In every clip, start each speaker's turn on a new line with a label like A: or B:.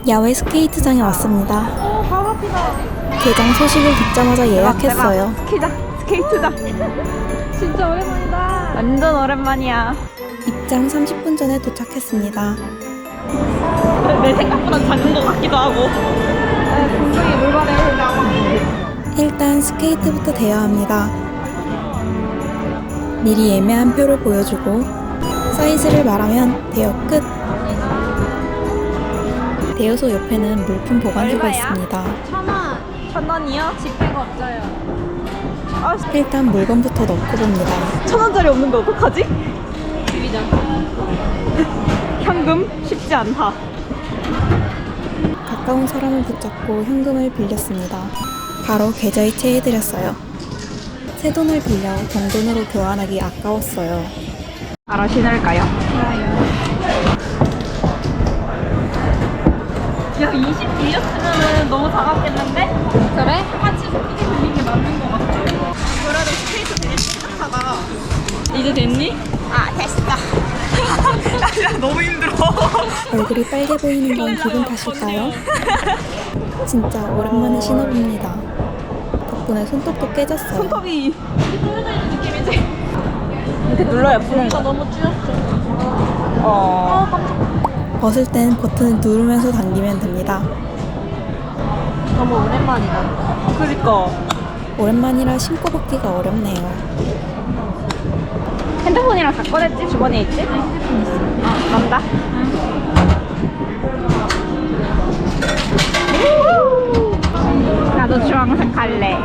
A: 야외 스케이트장에 왔습니다.
B: 바로 앞이다.
A: 개장 소식을 듣자마자 예약했어요.
B: 스케이트장. 진짜 오랜만이다. 완전 오랜만이야.
A: 입장 30분 전에 도착했습니다.
B: 내 생각보다 작은 것 같기도 하고. 분명히 물건에
A: 일단 스케이트부터 대여합니다. 미리 예매한 표를 보여주고 사이즈를 말하면 대여 끝. 대여소 옆에는 물품 보관소가
B: 얼마야?
A: 있습니다.
B: 1,000원. 1,000원이요? 지폐가 없어요.
A: 일단 물건부터 넣고 봅니다.
B: 1,000원짜리 없는데 어떡하지? 비비자. 현금 쉽지 않다.
A: 가까운 사람을 붙잡고 현금을 빌렸습니다. 바로 계좌이체해드렸어요. 새 돈을 빌려 정돈으로 교환하기 아까웠어요.
B: 알아 신을까요? 야 20 빌렸으면 너무 작았겠는데? 그래? 같이 크게 빌린 게 맞는 것 같아. 그래도 스케이트 되게 씩씩하다. 이제 됐니? 아 됐어. 야 너무 힘들어.
A: 얼굴이 빨개 보이는 건 기분 탓일까요? 진짜 오랜만에 신어봅니다. 덕분에 손톱도 깨졌어요.
B: 손톱이 떨어져 있는 느낌이지? 이렇게 눌러야 푸는 거. 너무 쭈였어.
A: 벗을 땐 버튼을 누르면서 당기면 됩니다.
B: 너무 오랜만이다. 그니까.
A: 오랜만이라 신고 벗기가 어렵네요.
B: 핸드폰이랑 다 꺼냈지? 주머니에 있지? 핸드폰 있어. 간다. 나도 주황색 할래.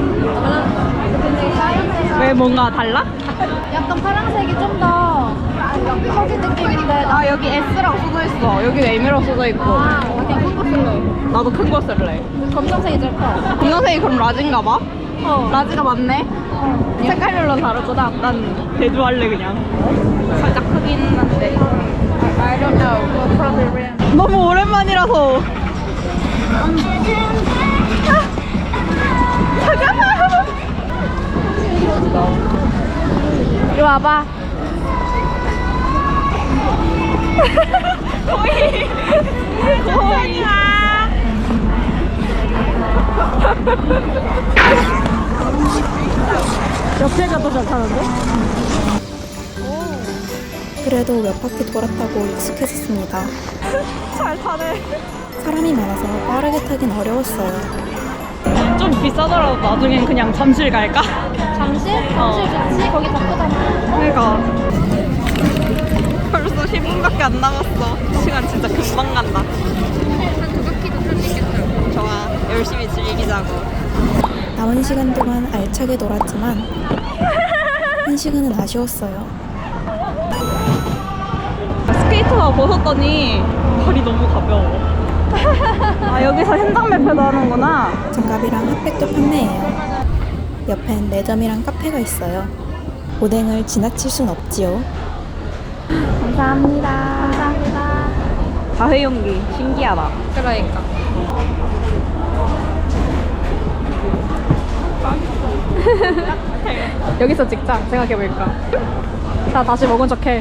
B: 왜 뭔가 달라?
C: 약간 파란색이 좀 더 커지 느낌인데
B: 아 여기 S라고 써져 있어. 여기 M이라고 써져 있고.
C: 그냥 큰 거 쓸래.
B: 나도 큰 거 쓸래.
C: 검정색이 제일 커.
B: 검정색이 그럼 라지인가 봐? 라지가 맞네? 색깔별로 다르구나. 난 대두할래 그냥. 살짝 크긴 한데.
C: I don't know. We'll probably rent.
B: 너무 오랜만이라서.
C: 이리 와봐.
B: 거의. 옆에가 더 잘 타는데?
A: 그래도 몇 바퀴 돌았다고 익숙해졌습니다.
B: 잘 타네.
A: 사람이 많아서 빠르게 타긴 어려웠어요.
B: 좀 비싸더라도 나중엔 그냥 잠실 갈까?
C: 잠실? 잠실 좋지? 거기 더 크잖아.
B: 그러니까. 벌써 10분밖에 안 남았어. 시간 진짜 금방 간다.
C: 한 2바퀴도 탈 수 있겠다.
B: 좋아. 열심히 즐기자고.
A: 남은 시간 동안 알차게 놀았지만 한 시간은 아쉬웠어요.
B: 스케이트가 벗었더니 발이 너무 가벼워. 아 여기서 현장 매표도 하는구나.
A: 장갑이랑 핫팩도 판매해요. 옆엔 매점이랑 카페가 있어요. 오뎅을 지나칠 순 없지요.
B: 감사합니다.
C: 감사합니다.
B: 다회용기 신기하다.
C: 그러니까.
B: 여기서 찍자. 생각해보니까. 자 다시 먹은 척해.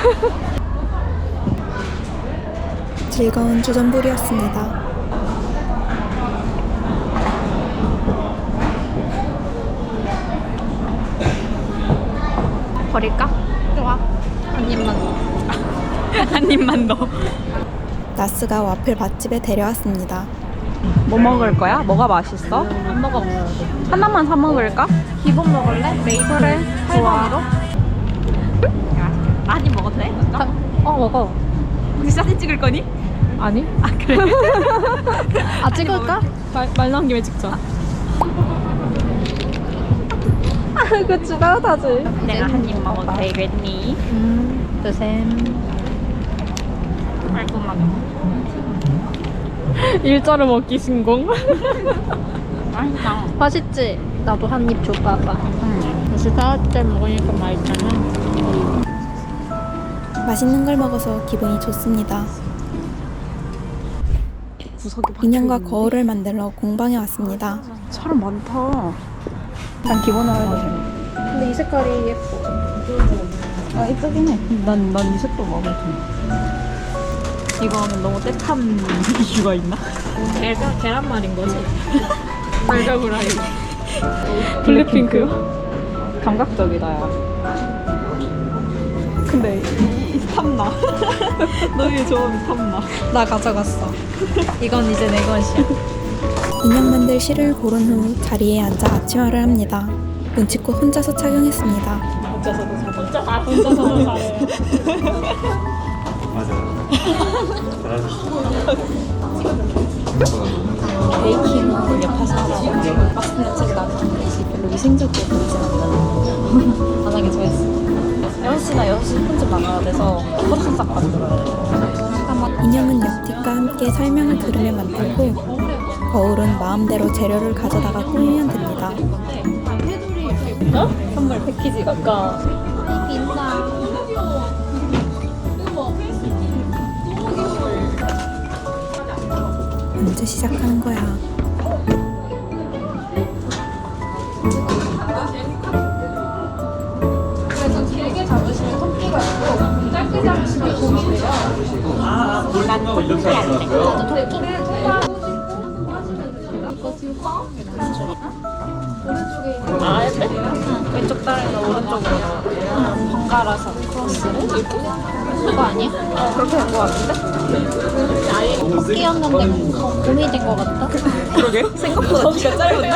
A: 즐거운 주전부리였습니다.
B: 버릴까?
C: 좋아. 한 입만.
B: 한 입만 더.
A: 나스가 와플 맛집에 데려왔습니다.
B: 뭐 먹을 거야? 뭐가 맛있어?
C: 안 먹어.
B: 하나만 사 먹을까?
C: 기본 먹을래?
B: 그래. 좋아.
C: 8번으로?
B: 많이 먹어도 돼?
C: 먹어.
B: 혹시 사진 찍을 거니?
C: 아니?
B: 아 그래?
C: 아, 찍을까?
B: 말 나온 김에 찍자. 그 지나다지. 내가 한 입 먹어도 되겠니?
C: 드셈.
B: 깔끔하게. 일자로 먹기 신공. 맛있다.
C: 맛있지? 나도 한 입 줘봐봐. 역시 다때 먹으니까 맛있잖아.
A: 맛있는 걸 먹어서 기분이 좋습니다.
B: 구석이
A: 인형과 거울을 만들러 공방에 왔습니다.
B: 사람 많다. 난 기본으로 해도
C: 근데 이 색깔이 예뻐.
B: 아 이쁘긴 해. 난 이 색도 마음에 드네. 이거 하면 너무 떼탄 이슈가 있나?
C: 계란말인 거지?
B: 달걀 블랙핑크요? 감각적이다 야. 근데 이 탐나. 너의 조언이 탐나.
C: 나 가져갔어. 이건 이제 내 것이야.
A: 인형 만들 실을 고른 후 자리에 앉아 아침화를 합니다. 눈치껏 혼자서 착용했습니다.
C: 혼자서도 잘해. 베이킹은 옆에서 하라고 박스 냄새가 나는 듯이 별로 위생적으로 보이진 않는 안 하게 좋아했어. 6시나 6시 10분쯤 나가야 돼서 포장싹 만들어야 돼.
A: 인형은 옆뒷과 함께 설명을 들으며 만들고 거울은 마음대로 재료를 가져다가 꾸미면 됩니다.
C: 어? 선물 패키지가 아까
A: 언제 시작하는 거야?
B: 그래서 길게 잡으시면 토끼가 있고 짧게 잡으시면 곰이 돼요. 난 토끼 안 돼. 나도 토끼를
C: 아, 했대? 왼쪽 다리는 오른쪽으로 번갈아서 크로스를 이렇게? 그거 아니야?
B: 그렇게 된 거 같은데?
C: 토끼였는데 곰이 된 거 같다?
B: 그러게 생각보다 귀가 짧은데?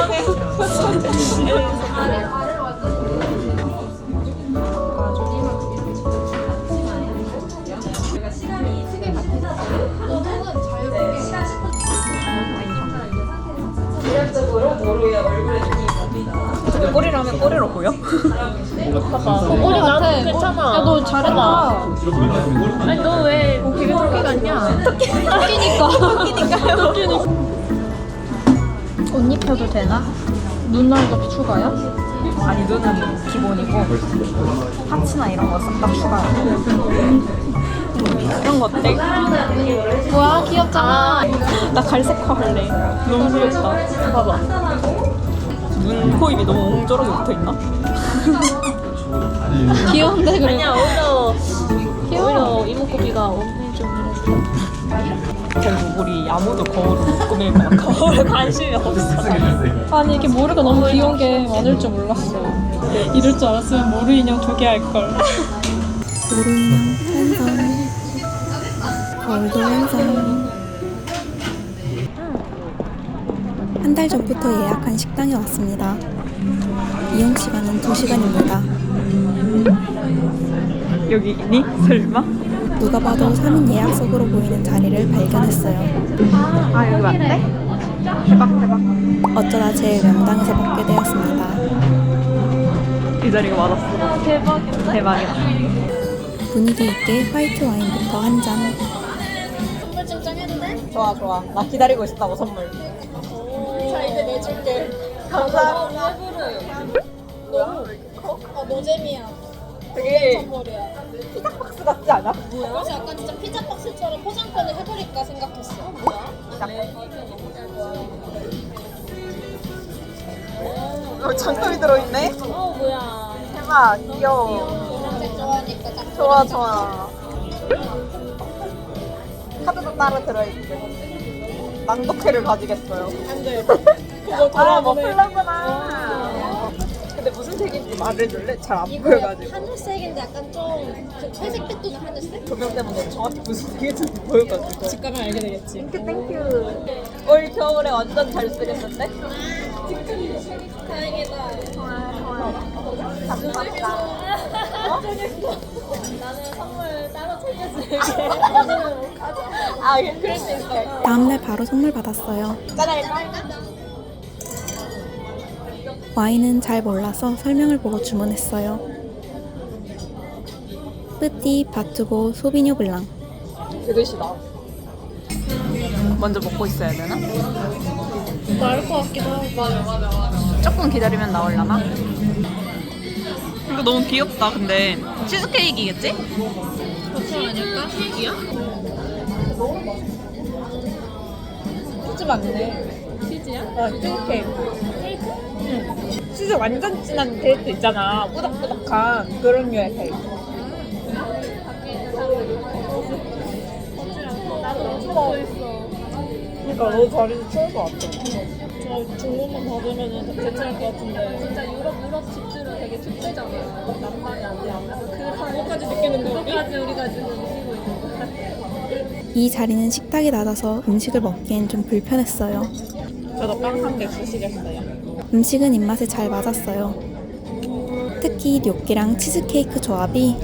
B: 꼬리라면 꼬리로 보여?
C: 꼬리 나도 괜찮아. 야, 너 잘했다. 아니, 너 왜 되게 토끼 같냐? 토끼니까. 옷 입혀도 되나? 눈날도 추가요?
B: 아니 눈은 기본이고 파츠나 이런 거 싹 다 추가요. 이런 거 어때?
C: 뭐야, 귀엽잖아.
B: 나 갈색화 할래. 너무 귀엽다. 봐봐. 눈, 코, 입이 너무 옹졸하게 붙어있나?
C: 귀여운데, 그래.
B: 아니야, 오히려
C: 귀여워. 이목구비가 오늘 좀 이래서.
B: 결국 우리 아무도 거울을 못 꾸밀 거야. 거울에 관심이 없어.
C: 아니, 이게 모르가 너무 귀여운 게 많을 줄 몰랐어. 이럴 줄 알았으면 모루 인형 2개 할걸.
A: 모루 인형 완성. 거울도 완성. 한 달 전부터 예약한 식당에 왔습니다. 이용 시간은 2시간입니다.
B: 여기 있니? 설마?
A: 누가 봐도 3인 예약석으로 보이는 자리를 발견했어요.
B: 아 여기 맞대? 대박.
A: 어쩌다 제 명당에서 먹게 되었습니다.
B: 이 자리가 맞았어. 대박이다.
A: 분위기 있게 화이트 와인부터 한 잔.
C: 선물 증정했네?
B: 좋아. 나 기다리고 있었다고 선물.
C: 자, 이제 내줄게.
B: 감사합니다.
C: 너무 노잼이야.
B: 되게
C: 선물이야.
B: 피자 박스 같지 않아?
C: 그래서 약간 진짜 피자 박스처럼 포장권을 해버릴까 생각했어.
B: 장점이 들어있네?
C: 뭐야.
B: 대박 귀여워.
C: 노란색 좋아하니까 딱.
B: 좋아. 카드도 따로 들어있고. 낭독회를 가지겠어요.
C: 안 돼. 그거
B: 머플러구나. 근데 무슨 색인지 말해줄래? 잘 안 보여가지고.
C: 하늘색인데 약간 좀 회색빛 도는 하늘색?
B: 조명 때문에 정확히 무슨 색인지 보여가지고.
C: 집 가면 알게 되겠지.
B: 땡큐. 올 겨울에 완전 잘 쓰겠는데?
C: 다행이다.
B: 감사합니다.
C: 나는 선물 따로 챙겨줄게.
B: 아, 그럴 수 있어.
A: 다음날 바로 선물 받았어요.
B: 짜잘까?
A: 와인은 잘 몰라서 설명을 보고 주문했어요. 뿌띠 바투고 소비뇨 블랑.
B: 그릇이다. 먼저 먹고 있어야 되나?
C: 나을 것 같기도 하고. 맞아.
B: 조금 기다리면 나올라나? 이거 너무 귀엽다. 근데 치즈케이크겠지?
C: 버터 아닐까? 케이크야?
B: 치즈 맞네.
C: 치즈야?
B: 치즈 케이크. 응. 치즈 완전 진한 케이크 있잖아. 꾸덕꾸덕한 그런 류의 케이크. 그러니까 너 자리도 추울 것 같아. 저 중국만 받으면 괜찮을 것 같은데. 진짜 유럽 집들은 되게 축제잖아요. 낭만이 안 돼. 그것까지 느끼는 거. 그것까지 우리가 지금 느끼고 있는 거.
A: 이 자리는 식탁이 낮아서 음식을 먹기엔 좀 불편했어요.
B: 저도 빵 한 개 주시겠어요?
A: 음식은 입맛에 잘 맞았어요. 특히 뇨끼랑 치즈케이크 조합이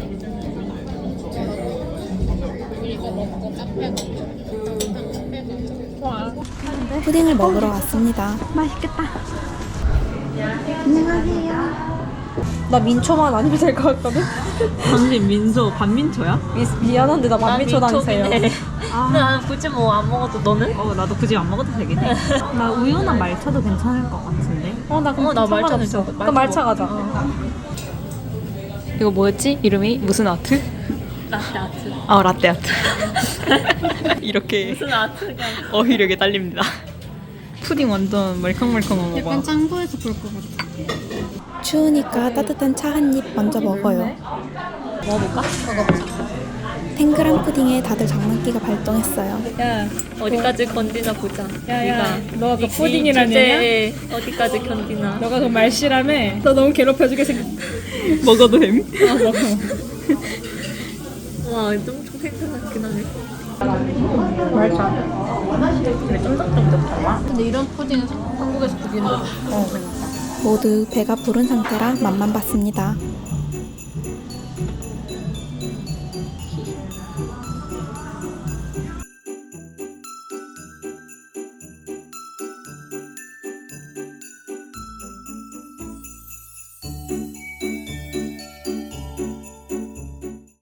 A: 푸딩을 먹으러 왔습니다.
C: 나 민초만 아니면 될 것 같거든?
B: 당신 민초, 반민초야?
C: 미안한데 나 만민초 다니세요.
B: 근데 나는 굳이 뭐 안 먹어도 너는? 나도 굳이 안 먹어도 되긴 해. 나 우유나 말차도 괜찮을 것 같은데.
C: 나 그럼
B: 나 말차는
C: 상관없어.
B: 좋아.
C: 그럼 말차 가자. 이거 뭐였지? 이름이 무슨 아트?
B: 라떼 아트.
C: 아 라떼 아트. 이렇게
B: 무슨 아트가?
C: 어휘력에 딸립니다. 푸딩 완전 말캉말캉한 거 봐.
D: 짱구에서 볼 것 같아.
A: 추우니까 따뜻한 차 한 입 먼저 먹어요.
B: 먹어볼까?
A: 탱글한 푸딩에 다들 장난기가 발동했어요.
B: 야, 어디까지 건디나 보자.
D: 야, 너가 그
B: 이
D: 푸딩이라는
B: 주제에 어디까지 견디나.
D: 너가 그 말씨라며? 너 너무 괴롭혀주게 생겼.
C: 먹어도 됨?
D: 먹어.
B: 와, 엄청 생각나긴 하네.
C: 근데 쫀득쫀득하다.
D: 근데 이런 푸딩은 한국에서 보기는
A: 모두 배가 부른 상태라 맛만 봤습니다.